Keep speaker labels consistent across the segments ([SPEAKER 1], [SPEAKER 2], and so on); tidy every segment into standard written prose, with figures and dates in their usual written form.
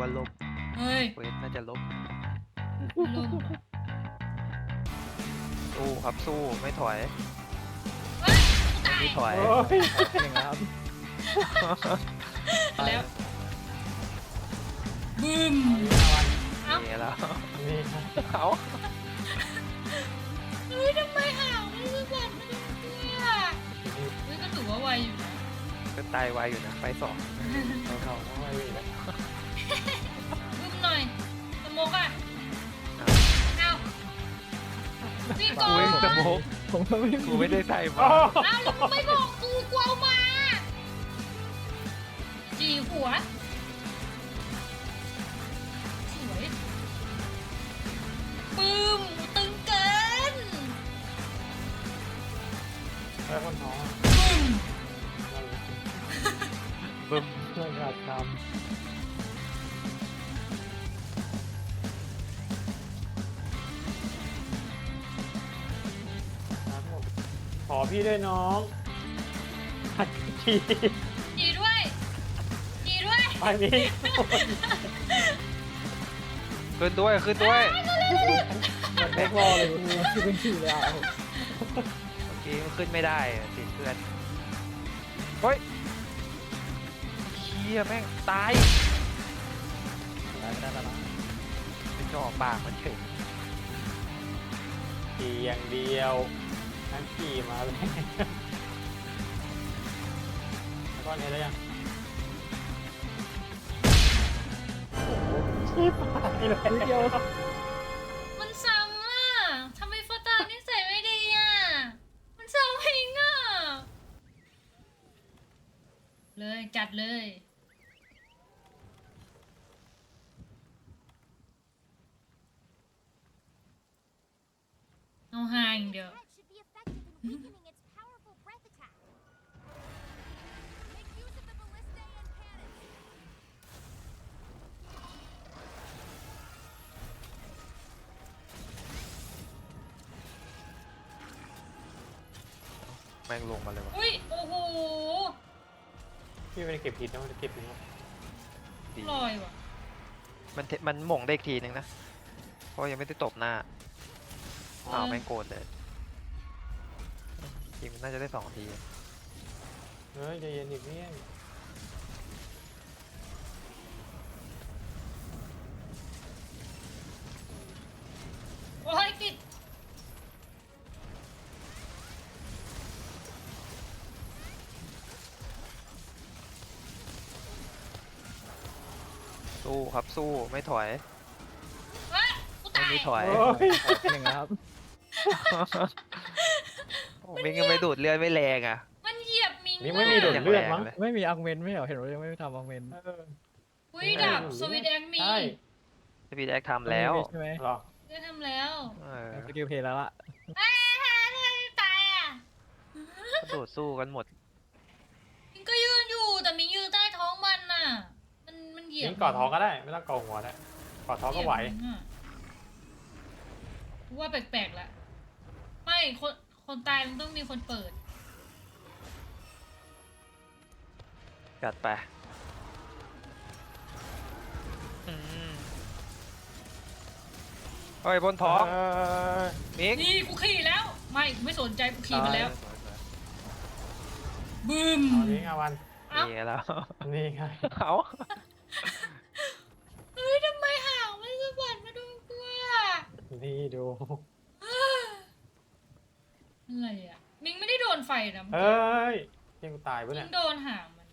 [SPEAKER 1] ว่าลบ
[SPEAKER 2] เฮ้ย
[SPEAKER 1] เวทน่าจะลบ
[SPEAKER 2] ลม
[SPEAKER 1] สู้ครับสู้ไม่ถอย
[SPEAKER 2] เฮ้ยกูตาย
[SPEAKER 1] ไม่ถอย
[SPEAKER 3] โอ้ยหนึ่งครับ
[SPEAKER 2] แล้วบึ้ม เอ้า
[SPEAKER 1] นี่แล้ว
[SPEAKER 3] นี่ครับ
[SPEAKER 1] เอา
[SPEAKER 2] เฮ้ยทำไมห่าวไม่รู้จักไม่ได้เนี่ยเฮ้ยก็ถือว่าไวอยู่นะ
[SPEAKER 1] ก็ตายไวอยู่นะไฟสอง
[SPEAKER 3] เขาต้องไปอีกแล้ว
[SPEAKER 2] บึ้มหน่อยสโมกอ่ะเอาพี่โก
[SPEAKER 1] กูเองสโมก
[SPEAKER 3] ผมก็ไม่
[SPEAKER 1] กูไม่ได้ใส่มา
[SPEAKER 2] เอาแล้วมึงไม่บอกกูกลัวเอามาจีหัวสวยปึ้มตึงเกิน
[SPEAKER 3] แล้วคนท้อง
[SPEAKER 2] ปึ้ม
[SPEAKER 1] บึ้ม
[SPEAKER 3] เพื่อนขาดคำครับผมขอพี่ด้วยน้องหัดที
[SPEAKER 2] จีด้วยจีด้วย
[SPEAKER 3] ไปนี้
[SPEAKER 1] ขึ้นด้วยขึ้นด้วย
[SPEAKER 3] มันแม็กรอเลยคือเป็นชื่อเลยอ่ะ
[SPEAKER 1] เมื่อกี้มันขึ้นไม่ได้อะติดเพื่อนเฮ้ยเชี่ยแม่งตาย
[SPEAKER 3] ได้แล้ว
[SPEAKER 1] เป็นจ่อปากมันเฉย
[SPEAKER 3] ขี่อย่างเดียวนั่งขี่มาเลยแล้วก็นี้แล้วยังชี้ปากเลยเดียว
[SPEAKER 2] มันซ้ำอ่ะทำไมฟอตานิสัยไม่ดีอ่ะมันซ้ำเองอ่ะเลยจัดเลยเอาห่างเดียว
[SPEAKER 4] should be effective in weakening its powerful breath attack. Make use of the ballistae and cannons.
[SPEAKER 1] แม่งลงมาเลยวะ
[SPEAKER 2] อุ้ยโอ้โห
[SPEAKER 3] พี่ไม่ได้เก็บผิดนะมันจะเก็บผิดนะ
[SPEAKER 1] ดี
[SPEAKER 2] ลอยว่ะ
[SPEAKER 1] มันหม่งได้อีกทีนึงนะเพราะยังไม่ได้ตบหน้าอ้าวแม่งโกรธเลยจริงมันน่าจะได้2 ที
[SPEAKER 3] เฮ้ยใจเย็นอีกเนี่ย
[SPEAKER 2] โอ้ยติด
[SPEAKER 1] สู้ครับสู้ไม่ถอย
[SPEAKER 2] เฮ้ยกู
[SPEAKER 1] ไม่
[SPEAKER 2] ตาย
[SPEAKER 1] มีถอย
[SPEAKER 3] โอ้ยหนึ่งครับ
[SPEAKER 1] โอ้มิงยังไม่ดูดเลือดไม่แรงอ่ะ
[SPEAKER 2] มันเหยียบมิง
[SPEAKER 3] นี่ไม่มีดูดเลือดมั้ง
[SPEAKER 1] เลย
[SPEAKER 5] ไม่มีอังเมนไม่เหรอเห็นว่ายังไม่ทำอังเมน
[SPEAKER 2] อุ้ยดับสวิตแองมี
[SPEAKER 3] ใช่
[SPEAKER 1] พี่แจ็คทำแล้ว
[SPEAKER 5] ใช่ไหม
[SPEAKER 3] หรอ
[SPEAKER 2] ได้ทำแล้ว
[SPEAKER 1] เออ
[SPEAKER 5] สกิลเพลย์แล้วล่ะ
[SPEAKER 2] เอ้ยทำไมตายอ่ะ
[SPEAKER 1] กระโดดสู้กันหมด
[SPEAKER 2] มิงก็ยืนอยู่แต่มิงยืนใต้ท้องมันน่ะ มันเหยียบ
[SPEAKER 3] นี่กอดท้องก็ได้ไม่ต้องกอดหัวได้กอดท้องก็ไหว
[SPEAKER 2] เหยียบมิงอะว่าแปลกๆละไม่คนตายมันต้องมีคนเปิด
[SPEAKER 1] จัดไปอืมเฮ้ยบนท้องมิง
[SPEAKER 2] นี่กูขี่แล้ว ไม่กูไม่สนใจกูขี่มาแล้วบึ้ม
[SPEAKER 3] เอานี้ไงวัน
[SPEAKER 2] เอ้า
[SPEAKER 1] นี่แล้ว
[SPEAKER 3] นี่ไง
[SPEAKER 1] เอา
[SPEAKER 2] เฮ้ยทำไมห่าวไม่สะบัดมาดูกูอ่ะ
[SPEAKER 3] นี่ดู
[SPEAKER 2] อะไรอ่ะมิงไม่ได้โดนไฟนะ
[SPEAKER 3] เฮ้ยที่กูตายปะ
[SPEAKER 2] มิ
[SPEAKER 3] เนี่ย
[SPEAKER 2] งโดนห่างมัน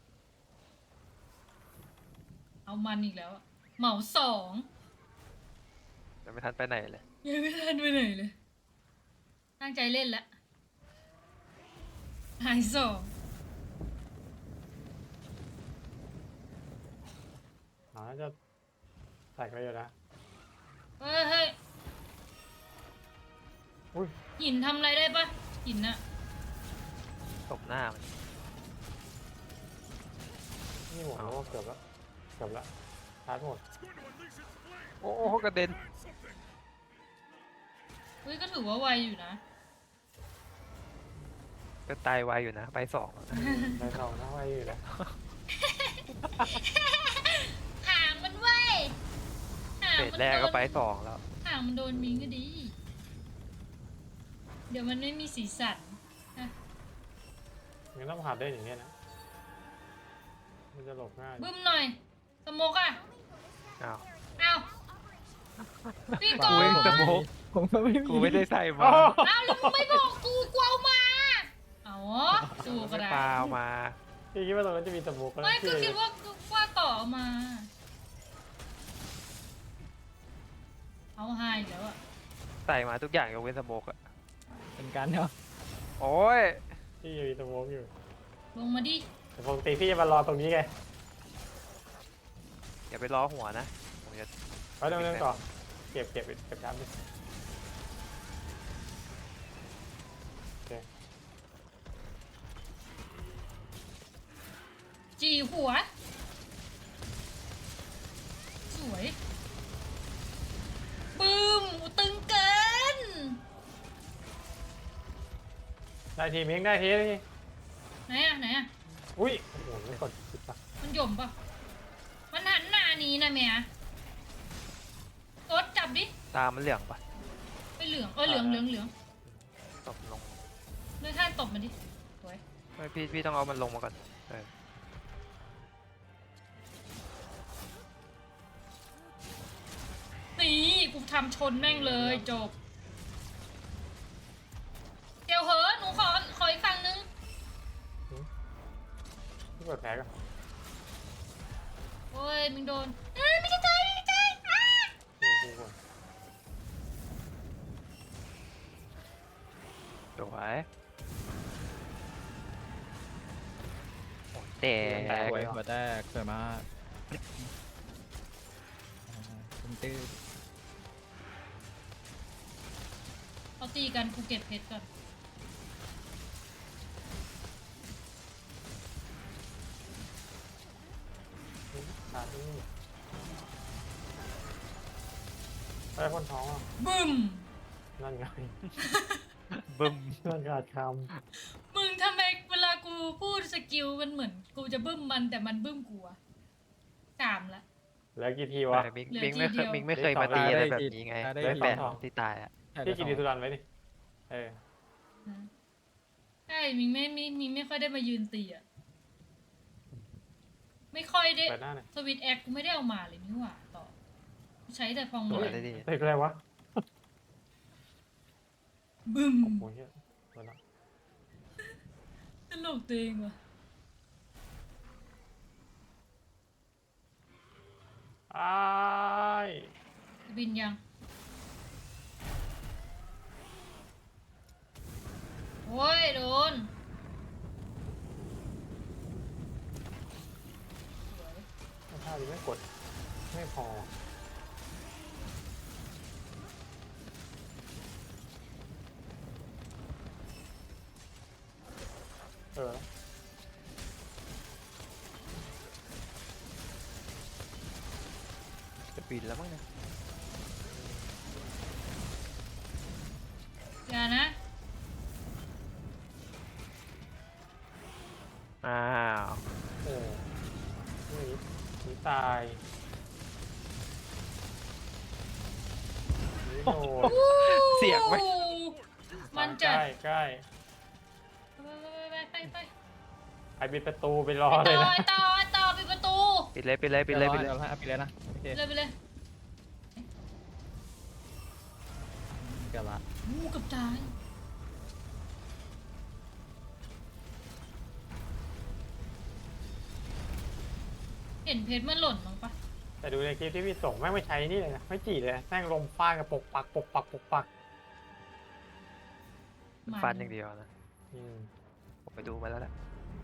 [SPEAKER 2] เอามันอีกแล้วอะเหมา2
[SPEAKER 1] ยังไม่ทันไปไหนเลย
[SPEAKER 2] ยังไม่ทันไปไหนเลย ตั้งใจเล่นแล้วหาย2
[SPEAKER 3] อ๋อน่าจะใส่ไปอยู่นะ
[SPEAKER 2] เฮ้ยเฮ้ย
[SPEAKER 3] อุ้ย
[SPEAKER 2] หินทำอะไรได้ปะหินอะ
[SPEAKER 1] ตบหน้ามัน
[SPEAKER 3] นี่หมดแล้วเกือบแล้วเกือบแล้วชาร์จหมด
[SPEAKER 1] โอ้โหกระเด็น
[SPEAKER 2] เฮ้ยก็ถือว่าไวอยู่นะ
[SPEAKER 1] ก็ตายไวอยู่นะไปสอง
[SPEAKER 3] ในสองนะไว้อยู่นะ
[SPEAKER 2] ห่างมันไว
[SPEAKER 1] ฟสแรกก็ไปสองแล้ว
[SPEAKER 2] ห่างมันโดนมิงก็ดี เดี๋ยวมันไม่มีสีสันนะ
[SPEAKER 3] งั้นต้องผ่านได้อย่างเงี้ยนะ มันจะหลบง่าย
[SPEAKER 2] บึ้มหน่อย สโมกอ่ะ
[SPEAKER 1] อ้าว
[SPEAKER 2] อ้าวพี่ก
[SPEAKER 1] กู
[SPEAKER 2] อ
[SPEAKER 1] เอง
[SPEAKER 2] ง
[SPEAKER 1] สโมก
[SPEAKER 5] ผมก็ไม่มี
[SPEAKER 1] กูไม่ได้ใส่มา
[SPEAKER 3] โอ้โห
[SPEAKER 2] อ้าวแล้วมึงไม่บอกกูกลัวเอามาอ๋อดูก็
[SPEAKER 1] ไม่
[SPEAKER 2] ได้
[SPEAKER 1] เปล่ามา
[SPEAKER 3] พี่คิดว่าตรงนั้นจะมีสโมุกก็
[SPEAKER 2] ไม่ก็
[SPEAKER 3] เชื่อ
[SPEAKER 2] คิดว่าต่อเอามา เอาให้อีกแล้วอ่ะ
[SPEAKER 1] ใส่มาทุกอย่างยกเว้นสโมกอะ
[SPEAKER 5] เป็นการเนาะ
[SPEAKER 1] โอ้ย
[SPEAKER 3] พี่ยังมีสโมุกอยู่
[SPEAKER 2] ลงมาดิ
[SPEAKER 3] แต่ปกติพี่จะมารอตรงนี้ไง
[SPEAKER 1] อย่าไปล้อหัวนะผมจะ
[SPEAKER 3] ไว้เรื่องต่อเก็บน้ำดิโอเค
[SPEAKER 2] จีหัว สวยบึ้มอูตึงเกิน
[SPEAKER 3] ได้ทีมิงได้ทีนี่
[SPEAKER 2] ไหนอ่ะไหนอ่ะ
[SPEAKER 3] อุ้ยโอ้โหไม่กดผิดปะ
[SPEAKER 2] มันหย่มปะมันหันหน้าหนี้นะแม่กดจับดิ
[SPEAKER 1] ตามันเหลืองปะ
[SPEAKER 2] ไปเหลืองเหลืองเหลือง
[SPEAKER 1] ตบลง
[SPEAKER 2] เลื่อนข้างตบมันดิสวย
[SPEAKER 1] ไม่พี่ต้องเอามันลงมาก่อนเออ
[SPEAKER 2] นี่กูทำชนแม่งเลยจบ เดี๋ยวเหอะหนูขออีกฝั่งนึง
[SPEAKER 3] พี่กดแพ้กัน
[SPEAKER 2] โอ้ยมึงโดนเอ้ยไม่ใช่ใจไม่ใช่ใจอ้า
[SPEAKER 3] กูก่อน
[SPEAKER 1] สวยโอ้ยแตก
[SPEAKER 5] หัวหัวแตกสวยมากตื้อ
[SPEAKER 2] เขาตีกันกูเก็บเพชรก่อน
[SPEAKER 3] ขาดนี่ไปคนท้องอ่ะ
[SPEAKER 2] บึ้ม
[SPEAKER 3] นั่นไง
[SPEAKER 1] บึ้ม
[SPEAKER 3] นั่นขาดค
[SPEAKER 2] มึงทำไมเวลากูพูดสกิลมันเหมือนกูจะบึ้มมันแต่มันบึ้มกูอะสามละ
[SPEAKER 3] ำแล้วกี่ทีวะ
[SPEAKER 1] แต่มิง
[SPEAKER 2] เหลือ
[SPEAKER 1] มิงไม่
[SPEAKER 2] ที
[SPEAKER 1] เค
[SPEAKER 2] เดี
[SPEAKER 1] ย
[SPEAKER 2] ยว
[SPEAKER 1] มิงไม่เคยมาตีอะไรแบบนี้ไง
[SPEAKER 5] ได้
[SPEAKER 3] ได้
[SPEAKER 5] ที
[SPEAKER 3] แป
[SPEAKER 1] แป
[SPEAKER 3] ด
[SPEAKER 1] ดที่ตายอะ
[SPEAKER 3] พี่กินดีสุดันไว้ดิเออ
[SPEAKER 2] นะใช่มิงไม่ค่อยได้มายืนตีอะไม่ค่อยได้
[SPEAKER 3] เปิดหน้าหน่อย
[SPEAKER 2] สวิตแอคกูไม่ได้เอามาเลยนี่หว่าต่อใช้แต่ฟอง
[SPEAKER 1] ส
[SPEAKER 2] มื
[SPEAKER 1] วย
[SPEAKER 2] อ
[SPEAKER 1] ได้ดี
[SPEAKER 3] เฮ้ยอะไรวะ
[SPEAKER 2] บึ้ม
[SPEAKER 3] โอ้โหเฮียเปิดละ
[SPEAKER 2] ตลกตัวเองว่ะ
[SPEAKER 3] อ้าย
[SPEAKER 2] บินยังโอ้ยโดนสวย
[SPEAKER 3] ถ้าดิไม่กดไม่พอเออ
[SPEAKER 1] จะปีนแล้วมั้งเนี่ย
[SPEAKER 2] อย่านะ
[SPEAKER 1] อ้าว
[SPEAKER 3] โอ้หนีตายหนีโดน
[SPEAKER 1] เสียงไหม
[SPEAKER 2] มัน
[SPEAKER 3] ใก
[SPEAKER 2] จะ
[SPEAKER 3] ล้ใกล้
[SPEAKER 2] ไป
[SPEAKER 3] ไอปิดประตูไปรอ
[SPEAKER 2] ไป
[SPEAKER 3] เลย
[SPEAKER 2] ต่อ
[SPEAKER 3] นะ
[SPEAKER 2] ไปต่อปิดประตู
[SPEAKER 1] ปิดเลยปิดเลย
[SPEAKER 5] ๆ
[SPEAKER 1] ปิดเลยปิด
[SPEAKER 5] เดี๋
[SPEAKER 1] เลย
[SPEAKER 5] วย ปิดเลยนะโอเค
[SPEAKER 2] ไปเลย
[SPEAKER 5] เกือบละ
[SPEAKER 2] งูกับตายเห็นเพชรมันหล่นมั้งปะ
[SPEAKER 3] แต่ดูในคลิปที่พี่ส่งแม่งไม่ใช้นี่เลยนะไม่จีเลยนะแม่งลมฟาดกับปกปักปกปักปกปัก
[SPEAKER 1] ฟันอย่างเดียวนะ
[SPEAKER 3] อืม
[SPEAKER 1] ผมไปดูมาแล้วแหละ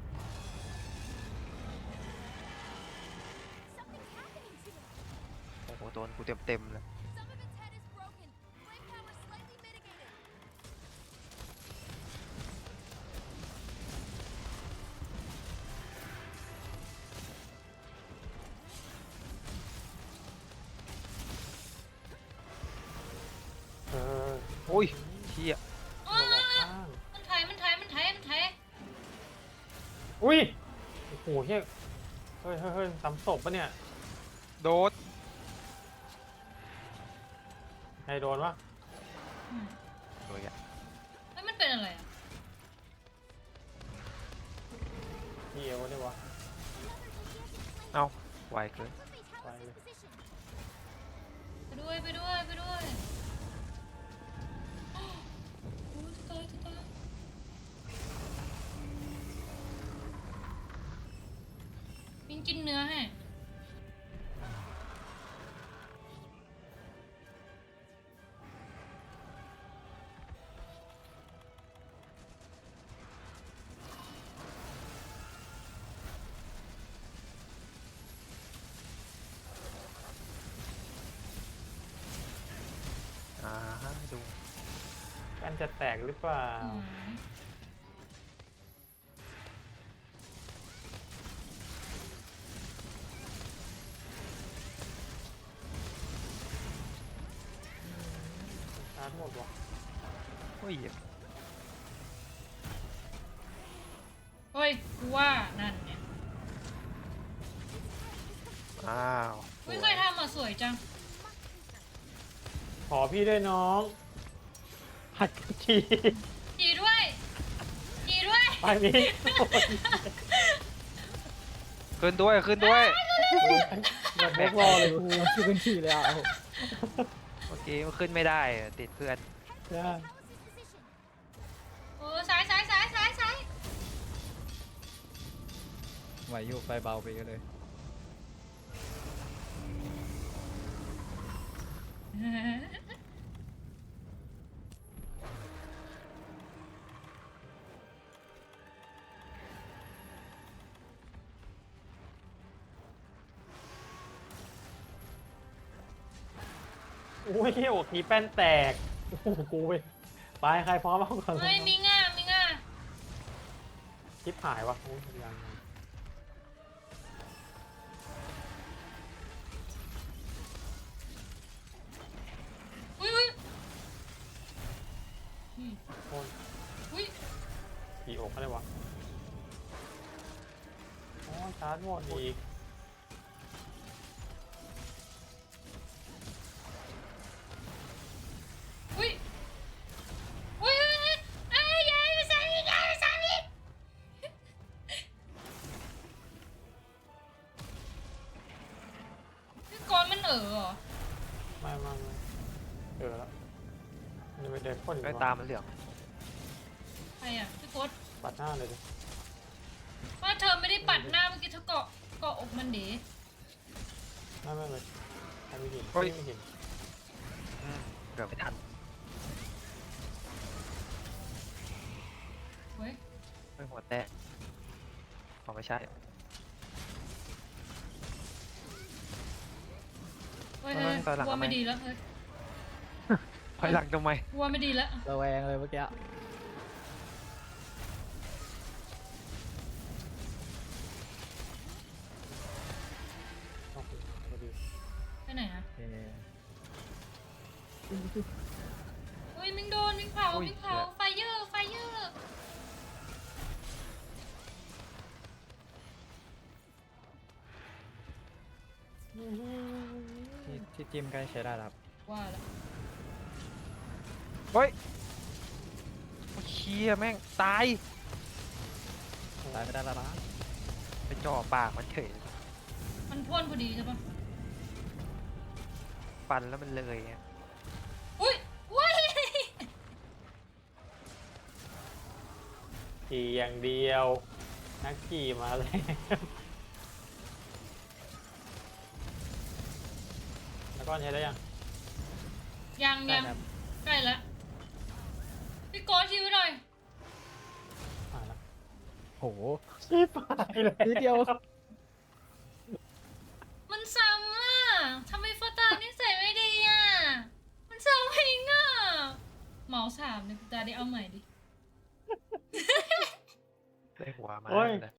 [SPEAKER 4] Something's happening to it.
[SPEAKER 1] โอ้โหโดนกูเต็มเลย
[SPEAKER 4] Some of its head is broken. Flame power slightly mitigated.
[SPEAKER 3] เออ
[SPEAKER 1] โอ้ยเชี่ย
[SPEAKER 2] อ้า
[SPEAKER 3] ระวังข้าง
[SPEAKER 2] มันไถมันไถ
[SPEAKER 3] อุ้ยโอ้โหเฮ้ยเฮ้ยซ้ำศพปะเนี่ย
[SPEAKER 1] โดด
[SPEAKER 3] ใครโดนวะ
[SPEAKER 2] อืม
[SPEAKER 1] โดยอ่ะ
[SPEAKER 2] แล้วมันเป็นอะไรอ่ะ
[SPEAKER 3] พี่เอวเนี่ยวะ
[SPEAKER 1] เอ้าไวเกิน
[SPEAKER 3] ไปเลย
[SPEAKER 2] ไปด้วยไปด้วยไปด้วยโอ้ยจะตายจะตายมิงกินเนื้อให้
[SPEAKER 1] อ่าดู
[SPEAKER 3] กันจะแตกหรือเปล่า
[SPEAKER 2] อืม
[SPEAKER 3] ชาร์จหมดวะ
[SPEAKER 1] โอ้ย
[SPEAKER 2] เฮ้ยกูว่านั่นเนี่ย
[SPEAKER 1] อ้าว
[SPEAKER 2] ไม่เคยทำอ่ะสวยจัง
[SPEAKER 3] ขอพี่ด้วยน้องหัดที
[SPEAKER 2] จีด้วยจีด้วย
[SPEAKER 3] ไปนี้
[SPEAKER 1] ขึ้นด้วยขึ้นด้วย
[SPEAKER 3] แบบแบกรอเลย
[SPEAKER 5] กูชื่อขึ้นขี่เลยอ่ะโอ้โห
[SPEAKER 1] เมื่อกี้มันขึ้นไม่ได้อะติดเพื่อน
[SPEAKER 3] ย่า
[SPEAKER 2] โอ้ซ้ายซ้ายซ้ายซ้ายซ้าย
[SPEAKER 5] ไหวอยู่ไฟเบาไปเยอะเลย
[SPEAKER 3] โอ้ยโอ้ทีแป้นแตกโอ้โหกูไปใครพร้อมเอาก่อนเล
[SPEAKER 2] เฮ้ย
[SPEAKER 3] ย
[SPEAKER 2] มิงอ่ะมิงอ่ะ
[SPEAKER 3] ชิปหายวะโอ้ยยัง
[SPEAKER 2] อุ้ยอุ้ยอืม
[SPEAKER 3] โอ้ย
[SPEAKER 2] อุ้ย
[SPEAKER 3] ขี่อกอะไรวะโอ้ยชาร์จหมดอีก
[SPEAKER 2] อุ้ยอุ้ยอุ้ยอุ้ยเอ้ยยายมาซ้ำอีกยายมาซ้ำอีกพี่กรณ์มันเหรอ
[SPEAKER 3] ไม่เจอแล้วมันไปเดินพ่นอยู่
[SPEAKER 1] ไอ้
[SPEAKER 3] วะ
[SPEAKER 1] ตามันเหลือง
[SPEAKER 2] ใครอ่ะพี่โคต
[SPEAKER 3] ปัดหน้าเลยดิ
[SPEAKER 2] ว่าเธอไม่ได้ปัดหน้าเมื่อกี้เธอเกาะอกมันดี
[SPEAKER 3] ไม่เลยใครไม่เห็น
[SPEAKER 1] เฮ้ย
[SPEAKER 3] ไม่เห็น
[SPEAKER 1] อืมเกือบไม่ทัน
[SPEAKER 2] เว้ย
[SPEAKER 1] ไม่หัวแตกอ๋อไม่ใช่
[SPEAKER 2] เฮ้ยเฮ้ย
[SPEAKER 1] ตอนหลัง
[SPEAKER 2] กลัว
[SPEAKER 1] ทำไม
[SPEAKER 2] ไม่ดีแล้วเฮ้ย
[SPEAKER 1] ถอยหลังทำไม
[SPEAKER 2] กลัวไม่ดีแล้ว
[SPEAKER 5] ระแวงเลยเมื่อกี้
[SPEAKER 3] โอเคพอดี
[SPEAKER 2] ไปไหนอ่ะ
[SPEAKER 5] เอ๊ะ
[SPEAKER 2] อุ้ยมิงโดนมิงเผา
[SPEAKER 1] อุ้ย
[SPEAKER 2] มิงเผาไฟเยอร์ไฟเยอร์
[SPEAKER 5] ที่จิ้มใกล้ใช้ได้แล้วครับ
[SPEAKER 2] ว่าแล้ว
[SPEAKER 1] เฮ้ยโอ้เชี่ยแม่งตาย
[SPEAKER 5] ตายไม่ได้แล้วนะ
[SPEAKER 1] ไปจ่อปากมันเฉย
[SPEAKER 2] มันพ่นพอดีใช่ปะ
[SPEAKER 1] ฟันแล้วมันเลยอะ
[SPEAKER 2] อุ้ยอุ้ย
[SPEAKER 3] ขี่อย่างเดียว นักขี่มาเลยแล้วก็ใช้ได้ยัง
[SPEAKER 2] ยัง
[SPEAKER 5] ได้
[SPEAKER 2] ยัง
[SPEAKER 5] ครับ
[SPEAKER 2] ใกล้ละพี่โกชิวหน่อย
[SPEAKER 3] อ่าแล้ว
[SPEAKER 5] โห
[SPEAKER 3] ชิบหายเลย
[SPEAKER 5] นิดเดียว
[SPEAKER 2] มันซ้ำอ่ะทำไมฟาตานิสัยไม่ดีอ่ะมันซ้ำเองอ่ะเหมาสามเนี่ยตาได้เอาใหม่ดิ
[SPEAKER 1] ได้หัวมา
[SPEAKER 3] โอ้ย
[SPEAKER 1] เลย